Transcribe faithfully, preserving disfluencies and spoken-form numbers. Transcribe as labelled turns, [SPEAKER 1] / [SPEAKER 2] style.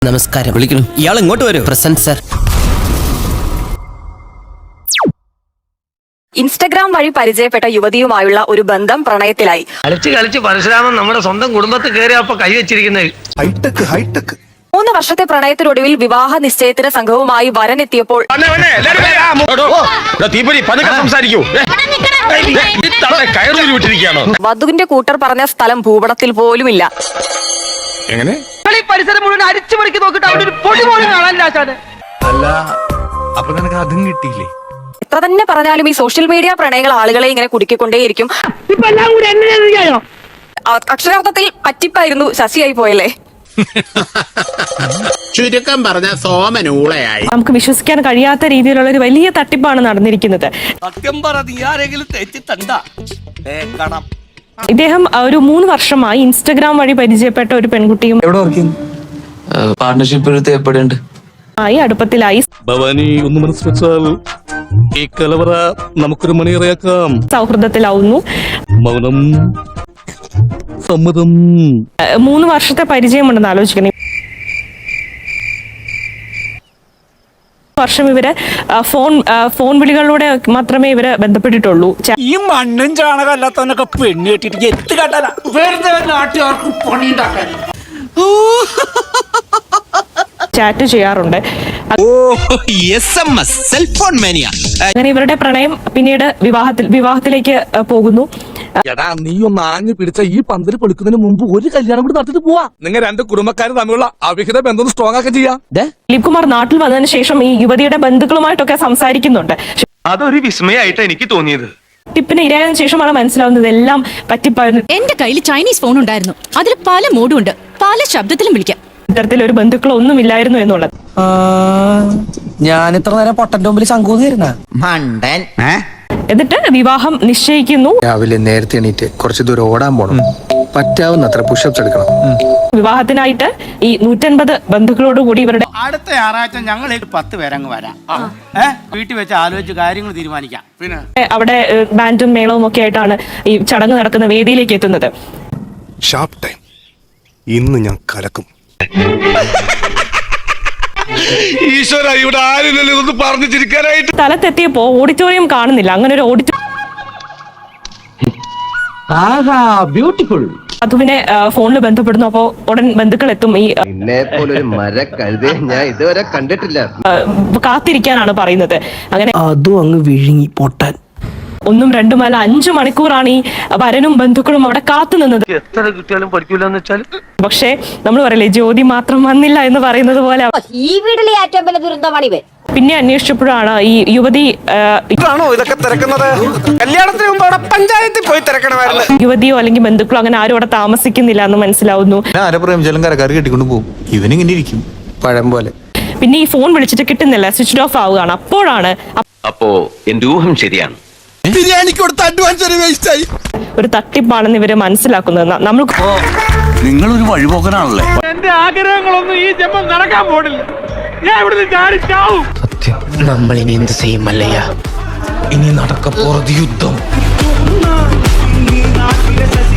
[SPEAKER 1] നമസ്കാരം. വിളിക്കുന്നു. ഇയാൾ ഇങ്ങോട്ട് വരൂ. Present sir.
[SPEAKER 2] ഇൻസ്റ്റഗ്രാം വഴി പരിചയപ്പെട്ട യുവതിയുമായുള്ള ഒരു ബന്ധം പ്രണയത്തിലായി.
[SPEAKER 3] കളിച്ച് കളിച്ച് പരശുരാമൻ നമ്മുടെ സ്വന്തം കുടുംബത്തിൽ കയറിയപ്പോ കൈ വെച്ചിരിക്കുന്നത്.
[SPEAKER 4] ഹൈടെക് ഹൈടെക്
[SPEAKER 2] മൂന്ന് വർഷത്തെ പ്രണയത്തിനൊടുവിൽ വിവാഹ നിശ്ചയത്തിന് സംഘവുമായി വരനെത്തിയപ്പോൾ വധുവിന്റെ കൂട്ടർ പറഞ്ഞ സ്ഥലം ഭൂപടത്തിൽ പോലുമില്ല.
[SPEAKER 3] പരിസരം മുഴുവൻ അരിച്ചു മണിക്ക് നോക്കിട്ട് അവിടെ ഒരു പൊടി പോലും കാണാനില്ല.
[SPEAKER 4] അല്ല, അപ്പൊ നിനക്ക് അതും കിട്ടിയില്ലേ?
[SPEAKER 2] എത്ര തന്നെ പറഞ്ഞാലും ഈ സോഷ്യൽ മീഡിയ പ്രണയങ്ങൾ ആളുകളെ ഇങ്ങനെ കുടുക്കിക്കൊണ്ടേയിരിക്കും. അക്ഷരാർത്ഥത്തിൽ പറ്റിപ്പായിരുന്നു, ശശിയായി പോയല്ലേ.
[SPEAKER 5] ചുരുക്കം പറഞ്ഞ സോമനൂളയായി.
[SPEAKER 6] നമുക്ക് വിശ്വസിക്കാൻ കഴിയാത്ത രീതിയിലുള്ള ഒരു വലിയ തട്ടിപ്പാണ് നടന്നിരിക്കുന്നത്.
[SPEAKER 1] സത്യം പറ, നീ ആരെങ്കിലും തെറ്റിത്തണ്ട.
[SPEAKER 6] ഇദ്ദേഹം ഒരു മൂന്ന് വർഷമായി ഇൻസ്റ്റഗ്രാം വഴി പരിചയപ്പെട്ട ഒരു പെൺകുട്ടിയും
[SPEAKER 7] പാർട്ണർഷിപ്പ്
[SPEAKER 6] ആയി അടുപ്പത്തിലായി.
[SPEAKER 8] ഭവാനി ഒന്ന് മനസ്സ് വെച്ചാൽ ഈ കലവറ നമുക്കൊരു മണിയറയാക്കാം.
[SPEAKER 6] സൗഹൃദത്തിലാവുന്നു.
[SPEAKER 8] മൗനം സമ്മതം.
[SPEAKER 6] മൂന്ന് വർഷത്തെ പരിചയമുണ്ടെന്ന് ആലോചിക്കണം. വർഷം ഇവര് ഫോൺ ഫോൺ വിളികളിലൂടെ മാത്രമേ ഇവര് ബന്ധപ്പെട്ടിട്ടുള്ളൂ.
[SPEAKER 9] ഈ മണ്ണും ചാണകമല്ലാത്തവനൊക്കെ പെണ്ണ് കെട്ടിട്ട് എത്ത് കാട്ടാല വെറുതെ നാട്ടുകാർക്ക് പണിയുണ്ടാക്കാൻ
[SPEAKER 6] ചാറ്റ് ചെയ്യാറുണ്ട്. അങ്ങനെ ഇവരുടെ പ്രണയം പിന്നീട് വിവാഹത്തിൽ വിവാഹത്തിലേക്ക് പോകുന്നു.
[SPEAKER 8] എടാ, നീ ഒന്ന് ആഞ്ഞു പിടിച്ച ഈ പന്തല് പൊളിക്കുന്നതിന് മുമ്പ് ഒരു കല്യാണം കൂടി നടത്തിട്ട് പോവാ. നിങ്ങൾ രണ്ട് കുടുംബക്കാർ തമ്മിലുള്ള അവിഹിത ബന്ധം സ്ട്രോങ് ആക്കി ചെയ്യാം.
[SPEAKER 6] ദിലീപ് കുമാർ നാട്ടിൽ വന്നതിന് ശേഷം ഈ യുവതിയുടെ ബന്ധുക്കളുമായിട്ടൊക്കെ സംസാരിക്കുന്നുണ്ട്.
[SPEAKER 3] അതൊരു വിസ്മയായിട്ട് എനിക്ക് തോന്നിയത്.
[SPEAKER 6] ടിപ്പിന് ഇരയായതിനു ശേഷമാണ് മനസ്സിലാവുന്നത് എല്ലാം പറ്റിപ്പായിരുന്നു.
[SPEAKER 10] എന്റെ കയ്യിൽ ചൈനീസ് ഫോൺ ഉണ്ടായിരുന്നു. അതിൽ പല മോഡും ഉണ്ട്, പല ശബ്ദത്തിലും വിളിക്കാം.
[SPEAKER 6] ഇത്തരത്തിലൊരു ബന്ധുക്കളോ ഒന്നും ഇല്ലായിരുന്നു എന്നുള്ളത്.
[SPEAKER 1] ഞാൻ ഇത്ര നേരം പൊട്ടന്റെ മുമ്പിൽ ശങ്കൂന്നിരുന്ന
[SPEAKER 5] മണ്ടൻ.
[SPEAKER 6] എന്നിട്ട് വിവാഹം നിശ്ചയിക്കുന്നു.
[SPEAKER 4] രാവിലെ നേരത്തെ എണീറ്റ് കുറച്ച് ദൂരം ഓടാൻ പോണം. പറ്റാവുന്നത്ര പുഷപ്സ് എടുക്കണം.
[SPEAKER 6] വിവാഹത്തിനായിട്ട് ഈ നൂറ്റൻപത് ബന്ധുക്കളോട് കൂടി ഇവരുടെ
[SPEAKER 9] അടുത്ത ഞായറാഴ്ച ഞങ്ങൾ പത്ത് പേരങ്ങ് വരാം. ഏഹ് വീട്ടിൽ വെച്ച് ആലോചിച്ച് കാര്യങ്ങൾ തീരുമാനിക്കാം. പിന്നെ
[SPEAKER 6] അവിടെ ബാൻഡും മേളവും ഒക്കെ ആയിട്ടാണ് ഈ ചടങ്ങ് നടക്കുന്ന വേദിയിലേക്ക് എത്തുന്നത്.
[SPEAKER 4] Sharp time. ഇന്ന് ഞാൻ കലക്കും.
[SPEAKER 8] ഈശ്വര, ഇവിടെ ആരില്ലല്ലോ ഇതൊന്ന് പറഞ്ഞു ചിരിക്കാനായിട്ട്.
[SPEAKER 6] സ്ഥലത്തെത്തിയപ്പോ ഓഡിറ്റോറിയം കാണുന്നില്ല. അങ്ങനെ ഒരു ഓഡിറ്റോറിയം വധുവിനെ ഫോണിൽ ബന്ധപ്പെടുന്നു. അപ്പോ ഉടൻ ബന്ധുക്കൾ എത്തും. ഈ
[SPEAKER 5] പോലൊരു മര കഴുതേ ഞാൻ ഇതുവരെ കണ്ടിട്ടില്ല.
[SPEAKER 6] കാത്തിരിക്കാനാണ് പറയുന്നത്. അങ്ങനെ
[SPEAKER 1] അതും അങ്ങ് വിഴുങ്ങി പൊട്ടാൻ.
[SPEAKER 6] ഒന്നും രണ്ടുമല്ല അഞ്ചു മണിക്കൂറാണ് ഈ വരനും ബന്ധുക്കളും അവിടെ കാത്തു നിന്നത്.
[SPEAKER 3] എത്ര കിട്ടിയാലും പഠിക്കൂലെന്ന് വെച്ചാൽ
[SPEAKER 6] പക്ഷേ നമ്മൾ പറയില്ലേ, ജ്യോതി മാത്രം വന്നില്ല എന്ന് പറയുന്നത് പോലെ
[SPEAKER 10] ഈ വീട്ടിലെ ഏറ്റവും വലിയ ദുരന്തമാണ്.
[SPEAKER 6] പിന്നെ അന്വേഷിച്ചപ്പോഴാണ് ഈ യുവതി
[SPEAKER 9] ഇതൊക്കെ തിരക്കുന്നത് കല്യാണത്തിന് മുമ്പ് അവിടെ പഞ്ചായത്തിൽ പോയി തിരക്കണമായിരുന്നു.
[SPEAKER 6] യുവതിയോ അല്ലെങ്കിൽ ബന്ധുക്കളോ അങ്ങനെ ആരും അവിടെ താമസിക്കുന്നില്ല എന്ന് മനസ്സിലാവുന്നു.
[SPEAKER 4] ആരപ്രേമിച്ചാലും കരക്കാർ കെട്ടിക്കൊണ്ട് പോകും. ഇവനിങ്ങനെ ഇരിക്കും പഴം പോലെ.
[SPEAKER 6] പിന്നെ ഈ ഫോൺ വിളിച്ചിട്ട് കിട്ടുന്നില്ല, സ്വിച്ച് ഓഫ് ആവുകയാണ്. അപ്പോഴാണ്
[SPEAKER 11] അപ്പോ എന്റെ ഊഹം ശരിയാണ്.
[SPEAKER 4] ബിരിയാണിക്ക് കൊടുത്ത അഡ്വാൻസ് ഒരു വേസ്റ്റ് ആയി.
[SPEAKER 6] ഒരു തട്ടിപ്പാണെന്ന് ഇവര് മനസ്സിലാക്കുന്നത്. നമ്മൾ
[SPEAKER 4] നിങ്ങളൊരു വഴിപോക്കനാണല്ലേ.
[SPEAKER 9] എന്റെ ആഗ്രഹങ്ങളൊന്നും ഈ ജന്മം നടക്കാൻ പോണില്ല. ഞാൻ ഇവിടുന്ന് ചാടി ചാവും.
[SPEAKER 1] സത്യം, നമ്മൾ ഇനി എന്ത് ചെയ്യും മല്ലയ്യ? ഇനി നടക്കപ്പോറത് യുദ്ധം.